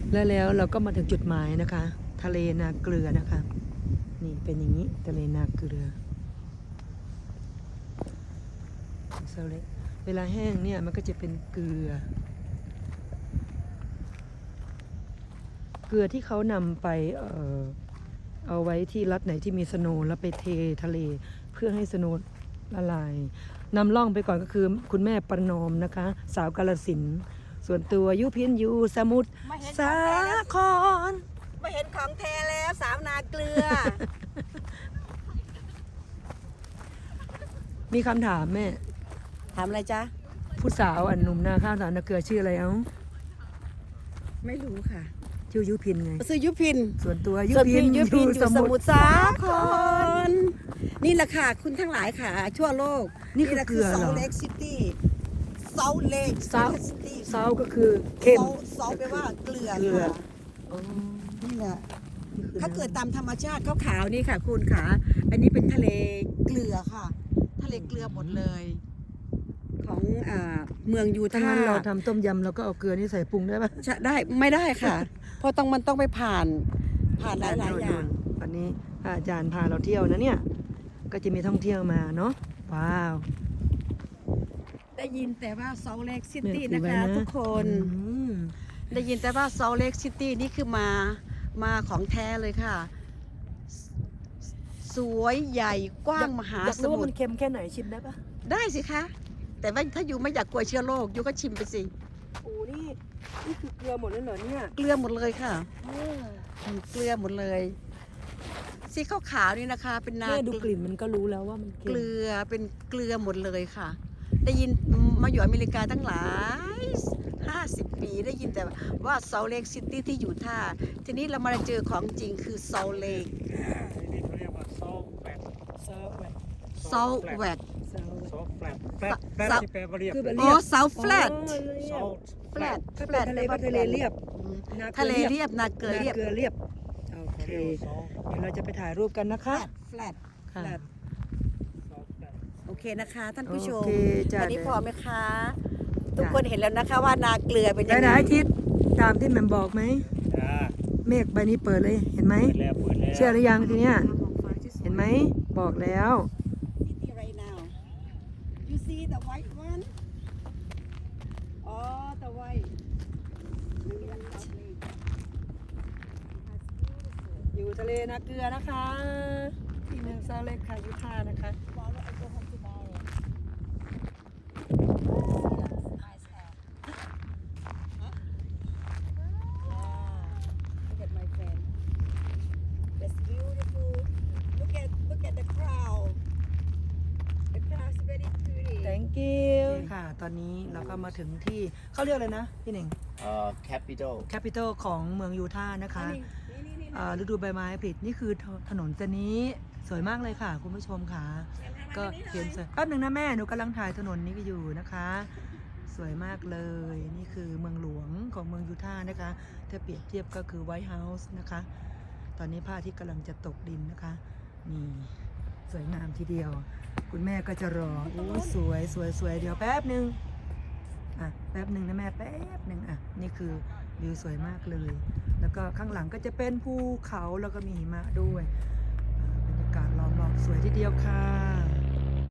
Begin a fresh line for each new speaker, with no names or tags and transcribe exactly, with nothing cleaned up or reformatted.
แล้วแล้วเราก็มาถึงจุดหมายนะคะ ทะเลนาเกลือนะคะ นี่เป็นอย่างนี้ทะเลนาเกลือเซลเล็กเวลาแห้งเนี่ยมันก็จะเป็นเกลือ เกลือที่เขานำไปเอ่อเอาไว้ที่รัฐไหนที่มีสโนว์แล้วไปเททะเลเพื่อให้สโนว์ละลายนำล่องไปก่อนก็คือคุณแม่ประนอมนะคะ สาวกาฬสินธุ์ส่วนตัวยุพินอยู่สมุทรสาคร
ไม่เห็นของแท้แล้วสาวนาเกลือ
มีคำถามแม่
ถามอะไรจ๊ะ
ผู้สาวอันหนุ่มนาข้าวสาวนาเกลือชื่ออะไรเอ้า
ไม่รู้ค่ะ
ชื่อยุพินไง
ซื้อยุพิน
ส่วนตัวยุ
ส่วน
พิ
พี่
น
ยุพินอยู่สมุทรสาค
ร
รนี่แหละค่ะคุณทั้งหลายค่ะทั่วโลก
นี่คือ
แหละ
เกลือเหรอ
เซาเล็กซิตี้เซาเล็ก
ซาว
ซิตี้
ซาวก็คือเข้ม
เซาแปลว่าเกลือ
เกลือ
ค่ะ
อ๋อ
นี่แหละ
นี่คือ
ถ้าเกิดตามธรรมชาติขาวๆนี่ค่ะ คุณค่ะ อันนี้เป็นทะเลเกลือค่ะ ทะเลเกลือหมดเลย ของอ่าเมืองยู
ถ้า
ทา
งั้นเรา
ห์
ทำต้มยำเราก็เอาเกลือนี่ใส่ปรุงได้ปะ
จะได้ไม่ได้ค่ะ เพราะต้องมันต้องไปผ่านผ่านหลายๆอย่าง
วันนี้อาจารย์พาเราเที่ยวนะเนี่ย ก็จะมีท่องเที่ยวมาเนาะ ว้าว
ได้ยินแต่ว่าเซาเล็กซิ
เนี่ย
ตี้
ถื
นะ
อไว้
คะทุกคน
อืม
ได้ยินแต่ว่าเซาเล็กซิตี้นี่คือมามาของแท้เลยค่ะ สวยใหญ่กว้างมหา
อยาก
ส
รู้ว่า
มุ
มั
ท
น
ร
เค็มแค่ไหนชิมได้ปะ
ได้สิคะ แต่ว่าถ้าอยู่ไม่อยากกลัวเชื้อโรคอยู่ก็ชิมไปสิ
โอ้นี่นี่คือเกลือหมดเลยเหรอเนี่ย
เกลือหมดเลยค่ะเกลือหมดเลยสีขาวๆนี่นะคะ เป็นนา
แม่ดูกลิ่นมันก็รู้แล้วว่ามันเค็
เก
ม
ลือเป็นเกลือหมดเลยค่ะ ได้ยินมาอยู่อเมริกาตั้งหลายห้าสิบปีได้ยินแต่ว่าเซาเล็กซิตี้ที่อยู่ท่าทีนี้เรามาเจอของจริงคือเซาเล็ก
นี่เขาเรียกว่าซอฟแฟลต
ซาวแหวก
เซาแวก
ซาวแหว
ซอก ฟแฟลตแฟล
ซะ
ตแฟลต
ซะ
ที่แปลว่าเรียบ
คือแบบ
อ๋อเซาแฟลต
อ๋อเรี
ซ
ย
อบ ล
แฟลต
ถ้าเป็นทะเลก็ทะเลเรียบ นาเกลือ
ทะเลเรียบนาเกลือเรียบ
นาเกลือเรียบ โอเค
เขาเรียกว่าซอฟ
เดี๋ยวเราจะไปถ่ายรูปกันนะคะ
แฟลต
ค่ะ
ซอฟแฟลต
โอเคนะคะ ท่านผู้ชม
โอเคจ้ะ
วันนี้พอไหมคะ ทุกคนเห็นแล้วนะคะว่านาเกลือเป็น
ไห
ยัง
น
ไง
ๆอาทิตย์ตามที่แหม่มบอกไหม
จ้า
เมฆใบนี้เปิดเลย เห็นไหม
เปิดแล้วเปิดแล้ว
เชื่อหรือยังทีเนี้ย เห็นไหม บอกแล้ว
City right now you see the white one oh the white
อยู่ทะเลนาเกลือนะคะ ที่เมืองซาเล็กค่ะยุทานะคะ
Look at my friend. That's beautiful. Look at look at the crowd. The crowd is very pretty.
thank you ค่ะ ตอนนี้เราก็มาถึงที่เขาเรียกอะไรนะ พี่หนึ่ง
เอ่อ capital
capital ของเมืองยูทาห์นะคะ
นี่นี่นี่
อ่าฤดูใบไม้ผลินี่คือถถนนเส้นนี้สวยมากเลยค่ะ คุณผู้ชมค่ะ ก็เห็นสวยแป๊บหนึ่งนะแม่หนูกำลังถ่ายถนนนี้อยู่นะคะ สวยมากเลยนี่คือเมืองหลวงของเมืองยูทาห์นะคะถ้าเปรียบเทียบก็คือไวท์เฮาส์นะคะ ตอนนี้พระอาทิตย์กำลังจะตกดินนะคะนี่สวยงามทีเดียว คุณแม่ก็จะรอโอ้สวยสวยสวยเดี๋ยวแป๊บหนึ่งอ่ะแป๊บหนึ่งนะแม่แป๊บหนึ่งอ่ะนี่คือวิวสวยมากเลย แล้วก็ข้างหลังก็จะเป็นภูเขาแล้วก็มีหิมะด้วยอ่าบรรยากาศล้อมรอบสวยทีเดียวค่ะ